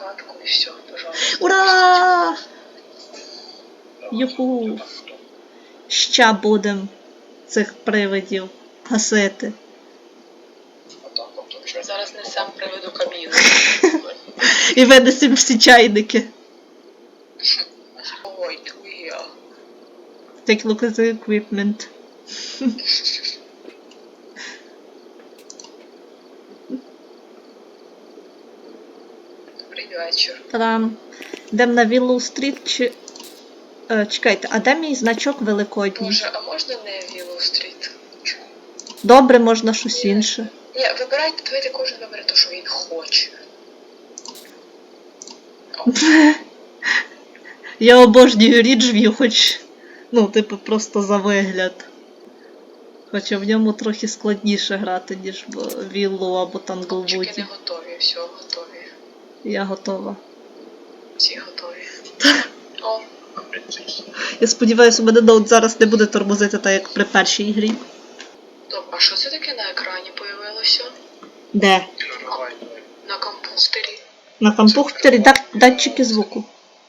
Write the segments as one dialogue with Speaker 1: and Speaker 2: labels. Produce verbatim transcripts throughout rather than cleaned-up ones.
Speaker 1: кімнатку і все, пожалуйста.
Speaker 2: Ура! Юху! Ща будем цих привидів гасити.
Speaker 1: Зараз несем приведу кабіну.
Speaker 2: І винесемо всі чайники.
Speaker 1: Ой, твоя.
Speaker 2: Take a look at the equipment.
Speaker 1: Добрий вечір.
Speaker 2: Та-дам. Йдемо на Віллоу-стріт чи... Е, чекайте, а де мій значок великодній?
Speaker 1: Боже, а можна не Віллоу-стріт?
Speaker 2: Добре, можна щось інше.
Speaker 1: Ні, вибирайте, давайте кожен вибере те, що він хоче.
Speaker 2: Я обожнюю Ріджв'ю, хоч... Ну, типу, просто за вигляд. Хоча в ньому трохи складніше грати, ніж в Віллоу або
Speaker 1: Хлопчики не
Speaker 2: Танглвуді.
Speaker 1: готові, все, готові.
Speaker 2: Я готова.
Speaker 1: Всі готові. О,
Speaker 2: Я сподіваюся, у мене ноут зараз не буде тормозити так, як при першій грі.
Speaker 1: стоп, а що це таке на екрані появилося?
Speaker 2: Де?
Speaker 1: На комп'ютері?
Speaker 2: На комп'ютері дат- датчики звуку.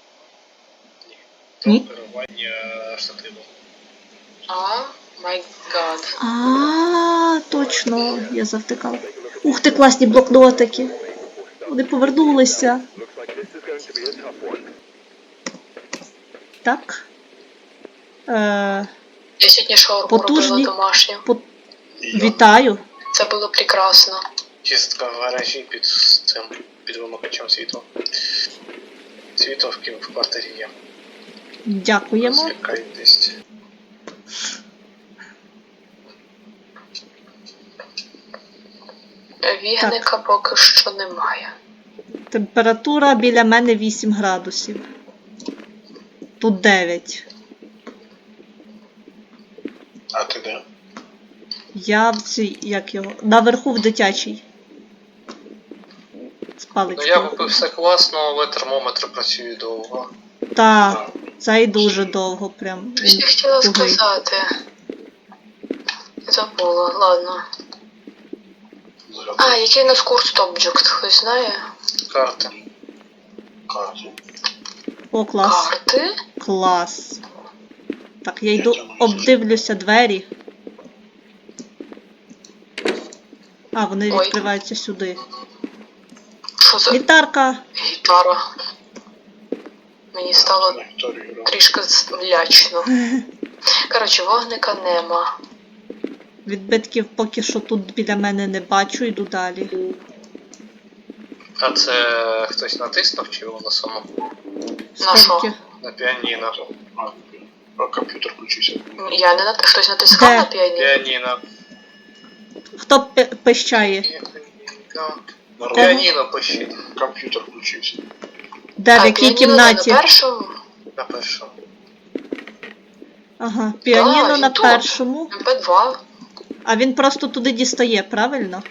Speaker 2: Ні?
Speaker 3: Керування штативом.
Speaker 1: А, май гад.
Speaker 2: А, точно, я завтикала. Ух ти, класні блокнотики. Вони повернулися. Так. Е,
Speaker 1: Я сьогодні шаурму
Speaker 2: Потужні.
Speaker 1: робила домашню.
Speaker 2: по... Вітаю.
Speaker 1: Це було прекрасно.
Speaker 3: Чистка в гаражі під цим, під вимикачем світла. Світло в кім в квартирі є.
Speaker 2: Дякуємо.
Speaker 3: Звикайтесь.
Speaker 1: Вігника поки що немає.
Speaker 2: Температура біля мене вісім градусів. Тут дев'ять.
Speaker 3: А ти де?
Speaker 2: Я в цій, як його, наверху в дитячій. З
Speaker 3: Ну
Speaker 2: паличкою.
Speaker 3: я купив все класно, але термометр працює довго.
Speaker 2: Та, це і дуже довго прям.
Speaker 1: Щось я хотіла
Speaker 2: Тугий.
Speaker 1: сказати. Забула, ладно. А, який у нас курс Object, хтось знає?
Speaker 3: Карти. Карти.
Speaker 2: О, клас.
Speaker 1: Карти?
Speaker 2: Клас. Так, я йду, обдивлюся двері. А, вони
Speaker 1: Ой.
Speaker 2: відкриваються сюди.
Speaker 1: Що за
Speaker 2: Гітарка.
Speaker 1: гітара? Мені стало
Speaker 3: Вікторію.
Speaker 1: трішки лячно. Коротше, вогника нема.
Speaker 2: Відбитків поки що тут біля мене не бачу, йду далі.
Speaker 3: А це хтось натиснув чи воно само?
Speaker 1: На що?
Speaker 2: Скільки?
Speaker 3: На піаніно. А комп'ютер включився.
Speaker 1: Я не нат... Хтось натискав
Speaker 2: Де?
Speaker 1: на піаніно?
Speaker 3: Піаніно.
Speaker 2: Хто пи- пищає?
Speaker 3: На піаніно пишіть. Комп'ютер включився.
Speaker 2: Де, в
Speaker 1: А,
Speaker 2: якій
Speaker 1: піаніно
Speaker 2: кімнаті?
Speaker 1: На першому?
Speaker 3: На першому.
Speaker 2: Ага, піаніно
Speaker 1: Да, він
Speaker 2: на
Speaker 1: тут.
Speaker 2: першому.
Speaker 1: Ем пе два.
Speaker 2: А він просто туди дістає, правильно?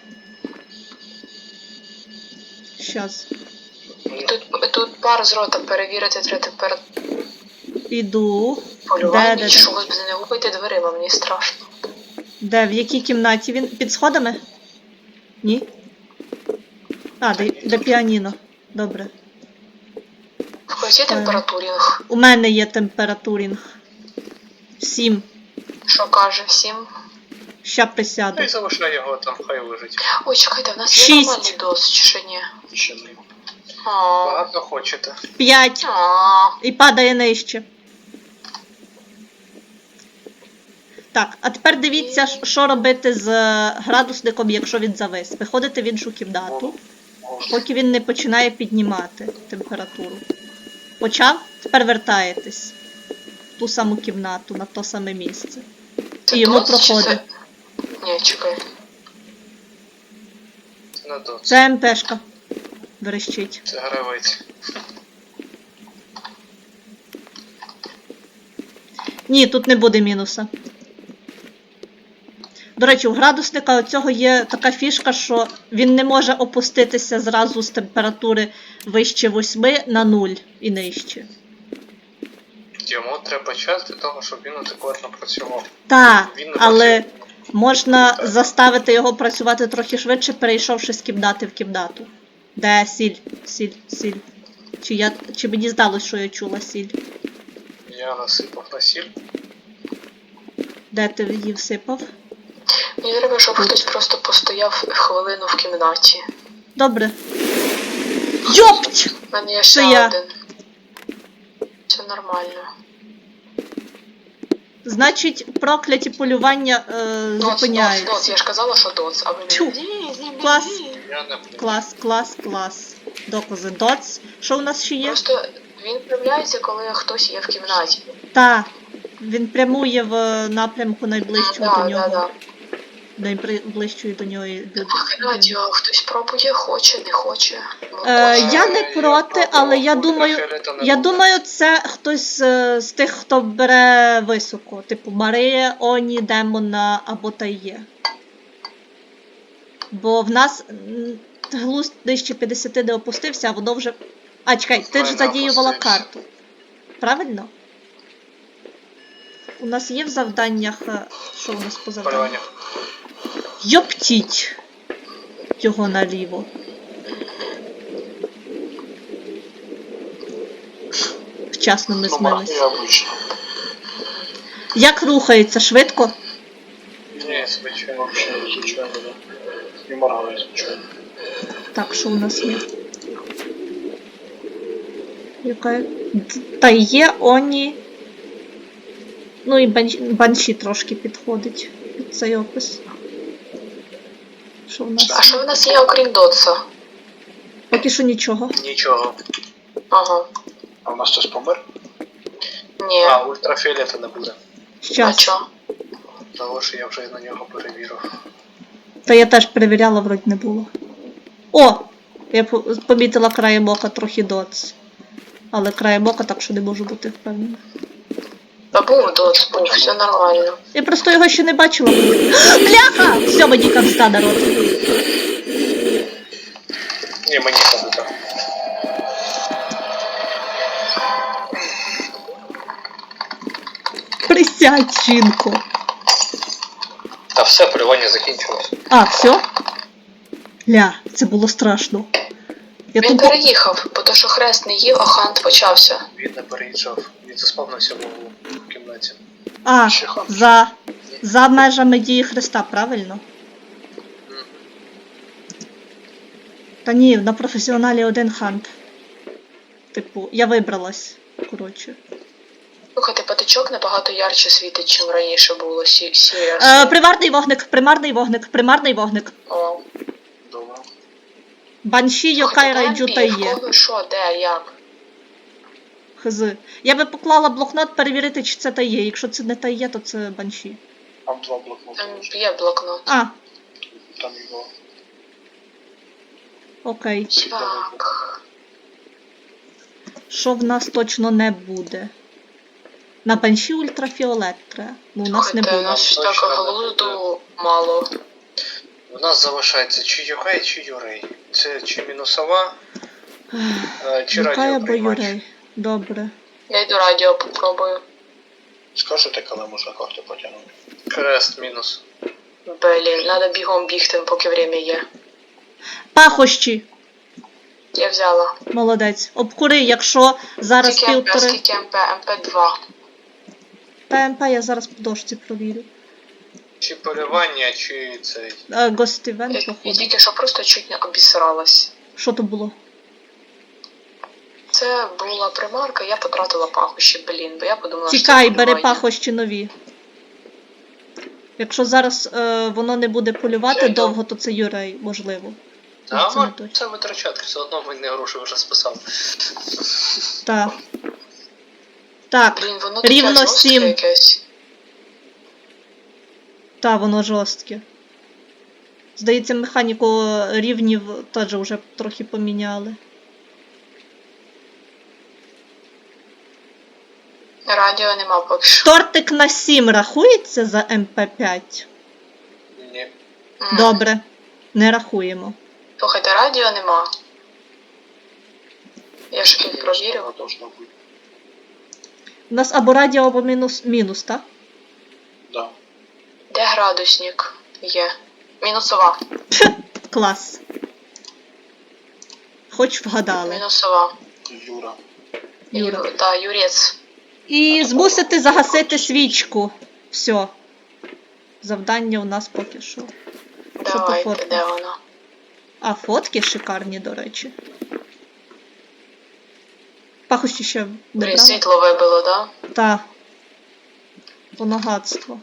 Speaker 2: Щас.
Speaker 1: І тут, тут пар з рота перевірити треба тепер
Speaker 2: Іду.
Speaker 1: полювання.
Speaker 2: Де, де,
Speaker 1: Що,
Speaker 2: де?
Speaker 1: господи, не гупайте дверима, мені страшно.
Speaker 2: Де, в якій кімнаті він? Під сходами? Ні? А, де, де піаніно. Добре.
Speaker 1: В когось є температурінг?
Speaker 2: У мене є температурінг. Сім.
Speaker 1: Що каже всім?
Speaker 2: Ща присяду.
Speaker 3: Ну і залишай його там, хай лежить.
Speaker 1: Ой, чекайте, в нас є
Speaker 2: Шість.
Speaker 1: нормальний дос, чи ще ні?
Speaker 3: Ще не.
Speaker 1: А.
Speaker 3: Багато хочете.
Speaker 2: П'ять.
Speaker 1: А.
Speaker 2: І падає нижче. Так, а тепер дивіться, ш- що робити з е, градусником, якщо він завис. Виходите в іншу кімнату, поки він не починає піднімати температуру. Почав? Тепер вертаєтесь в ту саму кімнату, на то саме місце.
Speaker 1: Це
Speaker 2: І йому
Speaker 1: дос, чи
Speaker 2: проходить.
Speaker 1: це- Ні, чекай.
Speaker 3: Це не до.
Speaker 2: Це МПшка. Верещить.
Speaker 3: Це гравець.
Speaker 2: Ні, тут не буде мінуса. До речі, у градусника оцього є така фішка, що він не може опуститися зразу з температури вище восьми на нуль і нижче.
Speaker 3: Йому треба час для того, щоб він адекватно працював.
Speaker 2: Так,
Speaker 3: Він не
Speaker 2: але
Speaker 3: працює.
Speaker 2: можна заставити його працювати трохи швидше, перейшовши з кімнати в кімнату. Де сіль? Сіль, сіль. Чи, я, чи мені здалось, що я чула сіль?
Speaker 3: Я насипав на сіль.
Speaker 2: Де ти її всипав?
Speaker 1: Мені треба, щоб хтось просто постояв хвилину в кімнаті.
Speaker 2: Добре. Йопть!
Speaker 1: У мене є
Speaker 2: Це
Speaker 1: ще
Speaker 2: я.
Speaker 1: один. Це нормально.
Speaker 2: Значить, прокляті полювання е,
Speaker 1: Доц, доц,
Speaker 2: зупиняються.
Speaker 1: доц, я ж казала, що доц, а ви
Speaker 2: Тьфу.
Speaker 1: мені... Ні, ні, ні,
Speaker 2: Клас.
Speaker 1: ні.
Speaker 3: Я не
Speaker 2: Клас, клас, клас. Докази. Доц. Що у нас ще є?
Speaker 1: Просто він проявляється, коли хтось є в кімнаті.
Speaker 2: Та. Він прямує в напрямку найближчого
Speaker 1: Да,
Speaker 2: до
Speaker 1: да,
Speaker 2: нього.
Speaker 1: да.
Speaker 2: Найближчої до нього люди.
Speaker 1: Так, радіо, хтось пробує, хоче, не хоче. Ну,
Speaker 2: Е,
Speaker 1: точно.
Speaker 2: я не проти, але я думаю, я думаю, це хтось е, з тих, хто бере високо. Типу Марія, Оні, Демона або Тає. Бо в нас м, глузд нижче п'ятдесят не опустився, а воно вже. А, чекай, ти ж
Speaker 3: Файно
Speaker 2: задіювала
Speaker 3: опустився.
Speaker 2: карту. Правильно? У нас є в завданнях. е, Що у нас по завданнях?
Speaker 3: Полювання.
Speaker 2: Йоптіть його наліво. Вчасно ми
Speaker 3: Ну,
Speaker 2: змились.
Speaker 3: я обично.
Speaker 2: Як рухається? Швидко?
Speaker 3: Ні, звичайно, взагалі, звичайно, да. Не моргаю, звичайно.
Speaker 2: Так, що у нас є? Яка? Та є Оні. Ну і банші, банші трошки підходить під цей опис. Що у нас?
Speaker 1: А що в нас є, окрім доца?
Speaker 2: Поки що нічого.
Speaker 3: Нічого.
Speaker 1: Ага.
Speaker 3: А в нас хтось помер?
Speaker 1: Ні.
Speaker 3: А, ультрафіолета не буде.
Speaker 1: А
Speaker 2: Щас.
Speaker 1: чо?
Speaker 3: Того, що я вже на нього перевірив.
Speaker 2: Та я теж перевіряла, вроді не було. О! Я по- помітила краєм ока трохи доц. Але краєм ока, так що не можу бути впевнена.
Speaker 1: Та був доц, був, все нормально.
Speaker 2: Я просто його ще не бачила. Бляха! Все, мені камста, народ.
Speaker 3: Ні, мені це буде.
Speaker 2: Присядь, жінко.
Speaker 3: Та все, полювання закінчилось.
Speaker 2: А, все? Ля, це було страшно. Я
Speaker 1: Він
Speaker 2: тупо...
Speaker 1: переїхав, бо то, що хрест не їв, а хант почався.
Speaker 3: Він не переїжджав, він заспавнився в кімнаті.
Speaker 2: А,
Speaker 3: Ще хан.
Speaker 2: за... За межами дії Христа, правильно?
Speaker 3: Мгм.
Speaker 2: Та ні, на професіоналі один хант. Типу, я вибралась, коротше.
Speaker 1: Слухайте, патичок набагато ярче світить, чим раніше було. Сі, сіря.
Speaker 2: Е, примарний вогник, примарний вогник, примарний вогник.
Speaker 1: О.
Speaker 3: Добре.
Speaker 2: Банші, Йокай, Райджу та
Speaker 1: В
Speaker 2: є.
Speaker 1: кого що, де, як?
Speaker 2: Хз. Я би поклала блокнот перевірити, чи це та є. Якщо це не та є, то це банші.
Speaker 3: Там два блокноти.
Speaker 1: Там є блокнот.
Speaker 2: А,
Speaker 3: Там його
Speaker 2: окей.
Speaker 3: світло.
Speaker 1: Так.
Speaker 2: Що в нас точно не буде? На банші ультрафіолет треба. Ну, у нас не
Speaker 1: Слухайте, у
Speaker 2: було.
Speaker 1: нас
Speaker 3: Точно
Speaker 1: так
Speaker 3: не
Speaker 1: глузду мало.
Speaker 3: У нас залишається чи Юрей, чи Юрей. Це чи мінусова, е, чи
Speaker 2: Юкай або
Speaker 3: радіоприймач.
Speaker 2: Юрей. Добре.
Speaker 1: Я йду радіо попробую.
Speaker 3: Скажете, коли можна карту потягнути? Крест мінус.
Speaker 1: Блін, треба бігом бігти, поки время є.
Speaker 2: Пахощі.
Speaker 1: Я взяла.
Speaker 2: Молодець. Обкури, якщо зараз
Speaker 1: Скільки МП,
Speaker 2: півтори.
Speaker 1: скільки МП? МП два.
Speaker 2: ПМП я зараз по дошці провірю.
Speaker 3: Чи полювання, чи цей.
Speaker 2: Е, Гостівент,
Speaker 1: Я, я
Speaker 2: походу.
Speaker 1: тільки що просто чуть не обісралась.
Speaker 2: Що то було?
Speaker 1: Це була примарка, я потратила пахощі, блін, бо я подумала,
Speaker 2: Тікай,
Speaker 1: що це
Speaker 2: бери
Speaker 1: полювання.
Speaker 2: пахощі нові. Якщо зараз е, воно не буде полювати
Speaker 3: Я йду.
Speaker 2: довго, то це Юрей, можливо.
Speaker 3: А
Speaker 2: це не
Speaker 3: ми
Speaker 2: точно.
Speaker 3: це витрачати, все одно він не гроші вже списав.
Speaker 2: Так. Так,
Speaker 1: Блін, воно таке
Speaker 2: рівно
Speaker 1: жорстке
Speaker 2: сім.
Speaker 1: якесь.
Speaker 2: Та, воно жорстке. Здається, механіку рівнів теж вже трохи поміняли.
Speaker 1: Радіо нема поки що.
Speaker 2: Тортик на сім рахується за ем пе п'ять?
Speaker 3: Ні.
Speaker 1: М.
Speaker 2: Добре, не рахуємо.
Speaker 1: Слухайте, радіо нема. Я ж тут провірив.
Speaker 3: Воно должно бути.
Speaker 2: У нас або радіо, або мінус, мінус, так?
Speaker 3: Да.
Speaker 1: Де градусник? Є. Мінусова.
Speaker 2: Клас. Хоч вгадали.
Speaker 1: Мінусова.
Speaker 3: Юра.
Speaker 2: Юра.
Speaker 1: Ю, да, Юрець.
Speaker 2: І змусити загасити свічку. Все. Завдання у нас поки що. Що по
Speaker 1: Давайте,
Speaker 2: фоткам?
Speaker 1: де вона?
Speaker 2: А фотки шикарні, до речі. Пахощі ще не
Speaker 1: Блін,
Speaker 2: брала?
Speaker 1: світло вибило, да?
Speaker 2: Та. Понагадство.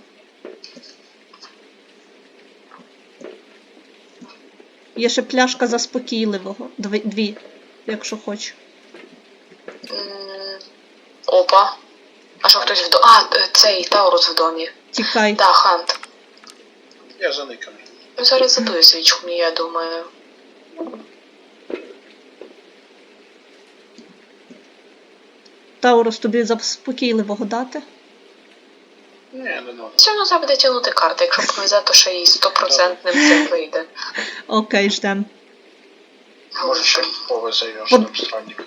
Speaker 2: Є ще пляшка заспокійливого. Дві, дві якщо хочеш.
Speaker 1: М, Опа. А що хтось в домі? А, е, цей Таурус в домі.
Speaker 2: Тікай.
Speaker 1: Да, Хант.
Speaker 3: Я заниканий.
Speaker 1: Ну, зараз задую свічку мені, я думаю.
Speaker 2: Таурус, тобі заспокійливого дати?
Speaker 3: Ні, не надо.
Speaker 1: Все одно треба буде тягнути карти, якщо повезе, то ще й стопроцентним цим вийде.
Speaker 2: Окей, ждем.
Speaker 3: Може ще повезе Йошним странник.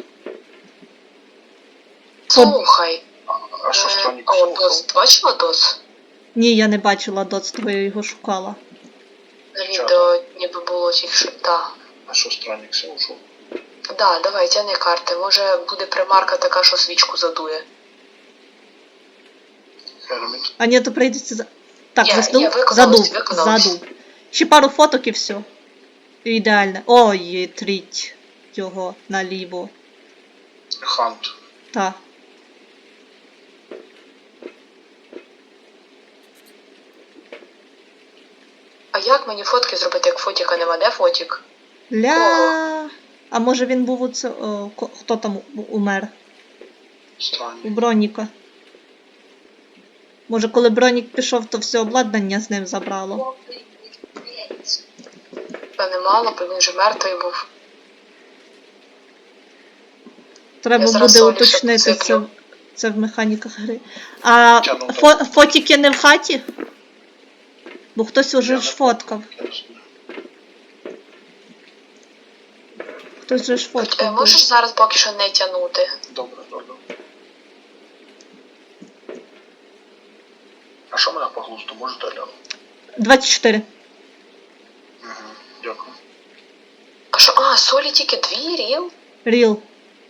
Speaker 1: Слухай.
Speaker 3: А що
Speaker 1: е,
Speaker 3: странник
Speaker 1: О,
Speaker 3: слухав?
Speaker 1: Дос, ти бачила Дос?
Speaker 2: Ні, я не бачила доцтво, я його шукала.
Speaker 1: На відео ніби було тільки що. Да.
Speaker 3: А що странник все ушов?
Speaker 1: Да, давай, тягни карти. Може буде примарка така, що свічку задує.
Speaker 3: Герміт.
Speaker 2: А ні, то прийдеться за. Так,
Speaker 1: Є,
Speaker 2: заснув?
Speaker 1: є, виконалось,
Speaker 2: Задув,
Speaker 1: виконалось.
Speaker 2: задув. Ще пару фоток і все. Ідеально. Ой, тріть його наліво.
Speaker 3: Хант.
Speaker 2: Та.
Speaker 1: А як мені фотки зробити, як фотіка нема? Де фотік?
Speaker 2: Ля. А може він був у це. О, ко- хто там у- умер? У
Speaker 3: Странник.
Speaker 2: Броніка. Може, коли Бронік пішов, то все обладнання з ним забрало.
Speaker 1: Та немало, бо він же мертвий був.
Speaker 2: Треба
Speaker 1: Я зараз
Speaker 2: буде
Speaker 1: солі ще
Speaker 2: уточнити це,
Speaker 1: посиплю.
Speaker 2: це в механіках гри. А
Speaker 3: Тя, ну,
Speaker 2: фо, фотіки не в хаті? Бо хтось уже
Speaker 3: Я
Speaker 2: ж
Speaker 3: не
Speaker 2: фоткав.
Speaker 3: Я не знаю.
Speaker 2: Хтось же ж
Speaker 1: Е,
Speaker 2: фоткав.
Speaker 1: Можеш зараз поки що не тягнути.
Speaker 3: Добре, добре. А що мене по глузду можете глянути?
Speaker 2: двадцять чотири.
Speaker 3: Угу, дякую.
Speaker 1: А що? А, солі тільки дві, ріл?
Speaker 2: Ріл.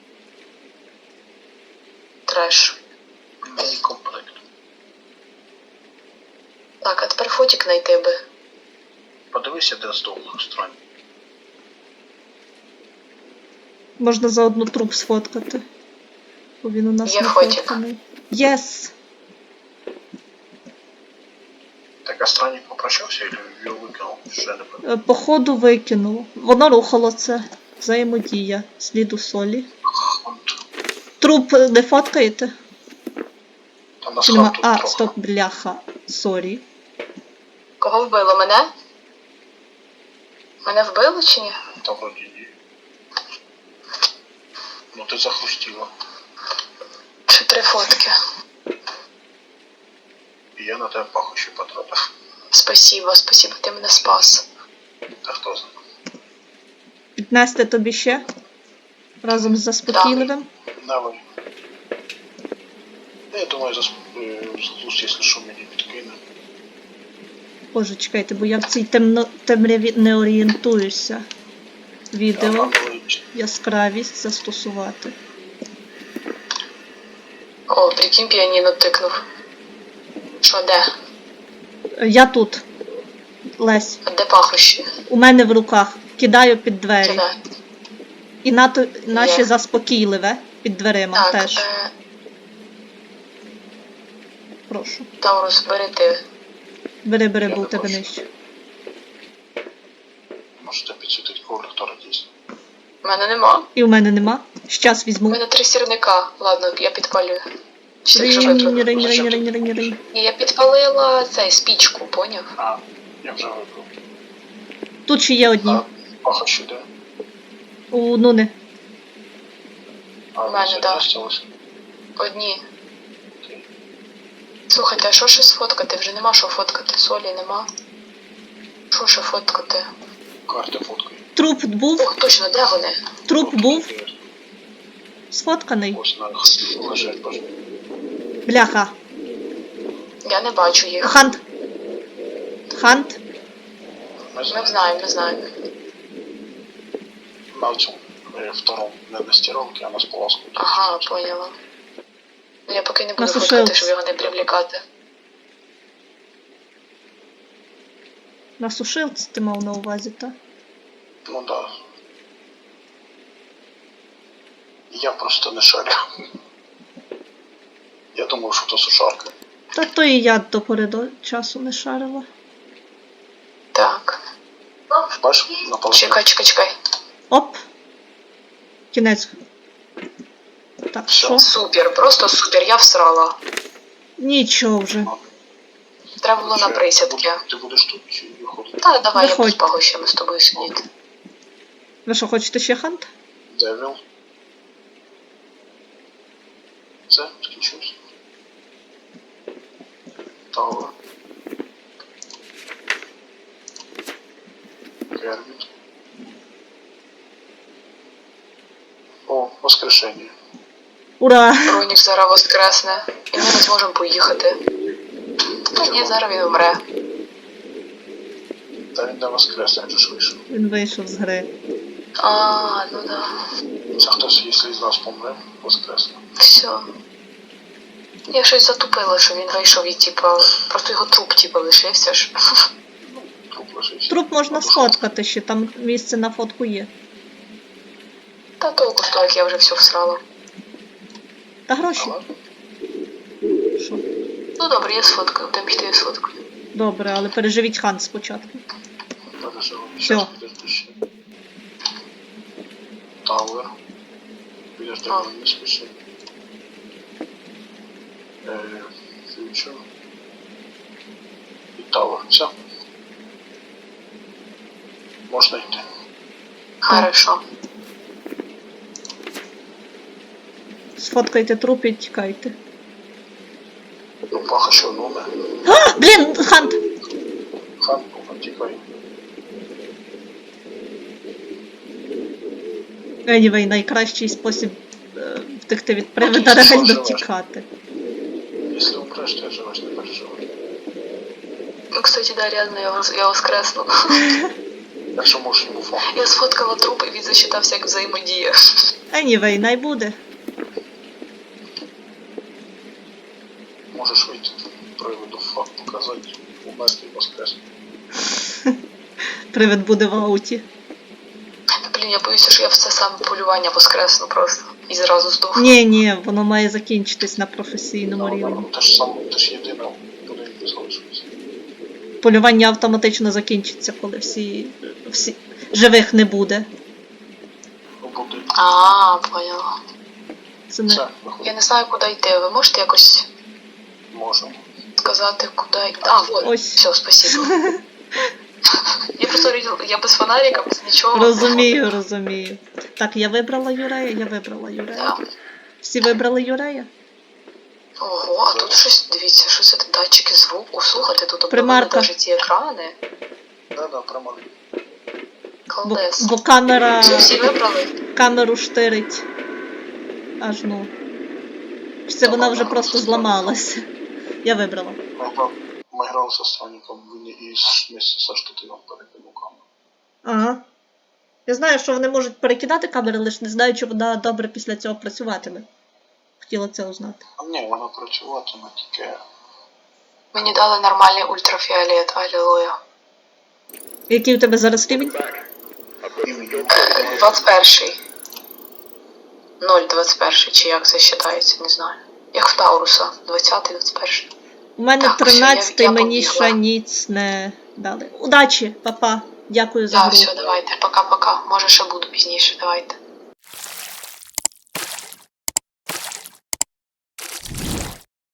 Speaker 1: Треш.
Speaker 3: Мені комплект.
Speaker 1: Так, а тепер фотік знайти би.
Speaker 3: Подивися, де здох странник.
Speaker 2: Можна за одну труп сфоткати. Бо він у нас
Speaker 1: Є
Speaker 2: не
Speaker 1: фотік.
Speaker 2: фотканий. Єс!
Speaker 3: Так, а странник попрощався или його викинув? Ще не пам'ятаю.
Speaker 2: Е, Походу викинуло. Воно рухало це. Взаємодія. Сліду солі.
Speaker 3: Хант.
Speaker 2: Труп не фоткаєте?
Speaker 3: Там нас
Speaker 2: Чи нема?
Speaker 3: ханту
Speaker 2: А,
Speaker 3: трохи.
Speaker 2: стоп, бляха. Сорі.
Speaker 1: Кого вбило? Мене? Мене вбило чи ні?
Speaker 3: Та вроді ні. Ну ти захрустіла.
Speaker 1: Чи три фотки?
Speaker 3: І я на тебе пахощі потрапив.
Speaker 1: Спасибо, спасибо, ти мене спас.
Speaker 3: Та хто знає.
Speaker 2: Піднести тобі ще? Разом з заспокійливим?
Speaker 3: Давай. Ну, я думаю, за глузд, якщо що, мені підкине.
Speaker 2: Боже, чекайте, бо я в цій темно... темряві не орієнтуюся. Відео.
Speaker 3: Аналогічно.
Speaker 2: Яскравість застосувати.
Speaker 1: О, прикинь, піаніно тикнув. Що, де?
Speaker 2: Е, Я тут. Лесь.
Speaker 1: А де пахощі?
Speaker 2: У мене в руках. Кидаю під двері.
Speaker 1: Кидай.
Speaker 2: І нато... наші
Speaker 1: Є.
Speaker 2: заспокійливе під дверима
Speaker 1: Так,
Speaker 2: теж.
Speaker 1: е,
Speaker 2: Прошу.
Speaker 1: Таурус, бери ти.
Speaker 2: Бери, бери,
Speaker 3: Я
Speaker 2: бо у
Speaker 3: не
Speaker 2: тебе
Speaker 3: бачу.
Speaker 2: нижче.
Speaker 3: Можете підсвітити колектора дійсно.
Speaker 1: У мене нема.
Speaker 2: І у мене нема. Щас
Speaker 1: У
Speaker 2: візьму.
Speaker 1: мене три сірника. Ладно, я підпалюю. Чи ти вже
Speaker 2: Ринь,
Speaker 1: випробував?
Speaker 2: ринь, ринь, ринь, ринь, ринь.
Speaker 1: Ні, я підпалила цей спічку, поняв?
Speaker 3: А, я вже вибрав.
Speaker 2: Тут ще є одні.
Speaker 3: А, пахощі де?
Speaker 2: У Нуни.
Speaker 3: А,
Speaker 1: У мене,
Speaker 3: це
Speaker 1: да.
Speaker 3: залишилось.
Speaker 1: Одні.
Speaker 3: Окей.
Speaker 1: Слухайте, а що ще сфоткати? Вже нема що фоткати, солі нема. Що ще фоткати?
Speaker 3: Карти фоткай.
Speaker 2: Труп був.
Speaker 1: Ох, точно, де вони?
Speaker 2: Труп був. Сфотканий.
Speaker 3: Ось на лежать, боже.
Speaker 2: Бляха.
Speaker 1: Я не бачу їх.
Speaker 2: Хант. Хант.
Speaker 3: Ми
Speaker 1: Ми
Speaker 3: знаємо.
Speaker 1: знаємо, ми знаємо.
Speaker 3: На цьому. Э, втором, не на стировке, а на сполоску.
Speaker 1: Ага, поняла. Ну, я поки не буду
Speaker 2: На
Speaker 1: фоткати,
Speaker 2: сушилці.
Speaker 1: щоб його не привлікати.
Speaker 2: На сушилці ти мав на увазі, так?
Speaker 3: Ну да. Я просто не шарю. Я думав, що то сушарка.
Speaker 2: Та то і я до пори до часу не шарила.
Speaker 1: Так.
Speaker 3: Бачиш, на полотні.
Speaker 1: Чекай, чекай, чекай.
Speaker 2: Оп! Кінець. Так,
Speaker 3: Всё.
Speaker 2: що?
Speaker 1: Супер, просто супер, я всрала.
Speaker 2: Нічого вже.
Speaker 1: Треба було на
Speaker 3: Чи-
Speaker 1: присядки.
Speaker 3: Ти будеш тут чи виходити?
Speaker 1: Та давай, я
Speaker 2: Виходь.
Speaker 1: без пагощами з тобою сидіти.
Speaker 2: Ви що, хочете ще хант?
Speaker 3: Девіл. Все, скінчився. Тауер. Кервіт. О, воскрешення.
Speaker 2: Ура!
Speaker 1: Бронік зараз воскресне, і ми не зможемо поїхати. Та ні, зараз він вмре.
Speaker 3: Та він не воскресне, він же ж вийшов.
Speaker 2: Він вийшов з гри.
Speaker 1: А, ну да.
Speaker 3: Це хтось, якщо з нас помре, воскресне.
Speaker 1: Все. Я щось затупила, що він вийшов і типа. Просто його труп типа лишився ж.
Speaker 3: Труп лежить.
Speaker 2: Труп можна
Speaker 3: На душі.
Speaker 2: сфоткати ще, там місце на фотку є.
Speaker 1: Та толку з того, як я вже все всрала.
Speaker 2: Та гроші.
Speaker 3: Але
Speaker 2: Що?
Speaker 1: Ну добре, я сфоткаю, там піти я сфоткаю.
Speaker 2: Добре, але переживіть хант спочатку.
Speaker 3: переживемо.
Speaker 2: Всё.
Speaker 3: Щас підожди ще. Тауер. Підожди,
Speaker 1: А.
Speaker 3: не спіши. Е, Фьючер. І Тауер. Все. Можна йти.
Speaker 1: Хорошо.
Speaker 2: Сфоткайте труп і тікайте.
Speaker 3: Ну, паха ще одну не.
Speaker 2: А, блін, хант!
Speaker 3: Хан, тікай.
Speaker 2: Anyway, найкращий спосіб е, втекти від привида
Speaker 3: Ти що,
Speaker 2: реально
Speaker 3: живеш?
Speaker 2: тікати.
Speaker 3: Якщо умреш, то я живеш, не переживай.
Speaker 1: Ну, кстати, да, реально, я, вос- я воскресну.
Speaker 3: Якщо можеш йому фон.
Speaker 1: Я сфоткала труп, і він засчитався як взаємодія.
Speaker 2: Anyway, най буде.
Speaker 3: Можеш вийти. Приводу факт показати. Умерти і воскресне.
Speaker 2: Привид буде в ауті.
Speaker 1: Та, блін, я боюся, що я в це саме полювання воскресну просто. І зразу здохну.
Speaker 2: Ні, ні, воно має закінчитись на професійному
Speaker 3: Ну,
Speaker 2: рівні.
Speaker 3: Те ж саме, те ж єдине будинку залишилось.
Speaker 2: Полювання автоматично закінчиться, коли всі, всі живих не буде.
Speaker 3: У будинку.
Speaker 1: А, поняла.
Speaker 2: Це не...
Speaker 3: Все,
Speaker 1: Я
Speaker 3: виходить.
Speaker 1: не знаю, куди йти. Ви можете якось
Speaker 3: Можемо.
Speaker 1: сказати, куди йти? А, вот.
Speaker 2: Ось.
Speaker 1: Все, спасибо. Я просто оригінал- я без фонарика, без нічого.
Speaker 2: Розумію, розумію. Так, я вибрала Юрея, я вибрала Юрея.
Speaker 1: Да.
Speaker 2: Всі вибрали Юрея?
Speaker 1: Ого, а тут щось, дивіться, що це датчики звуку. Слухайте, тут обновили
Speaker 2: Примарка.
Speaker 1: навіть ці екрани.
Speaker 3: Да-да, прямо.
Speaker 2: Бо,
Speaker 1: Колдес.
Speaker 2: бо камера,
Speaker 1: Все, всі вибрали?
Speaker 2: камеру штирить. Аж ну. Чи це вона вже просто зламалася? Я вибрала.
Speaker 3: Ми грали, ми грали со Странником, він і з- вместе со штативом перекинув камеру.
Speaker 2: Ага. Я знаю, що вони можуть перекидати камери, лише не знаю, чи вона добре після цього працюватиме. Хотіла це узнати.
Speaker 3: А ні, вона працюватиме тільки.
Speaker 1: Мені дали нормальний ультрафіолет, алілуя.
Speaker 2: Який у тебе зараз рівень?
Speaker 1: двадцять перший. ноль двадцять перший, чи як це вважається, не знаю. Як в Тауруса, двадцятий, двадцять перший.
Speaker 2: У мене
Speaker 1: Так, все,
Speaker 2: тринадцятий,
Speaker 1: я- я
Speaker 2: мені
Speaker 1: побігла.
Speaker 2: ще ніц не дали. Удачі, папа. Дякую за
Speaker 1: Так,
Speaker 2: гру.
Speaker 1: все, давайте, пока-пока. Може ще буду пізніше, давайте.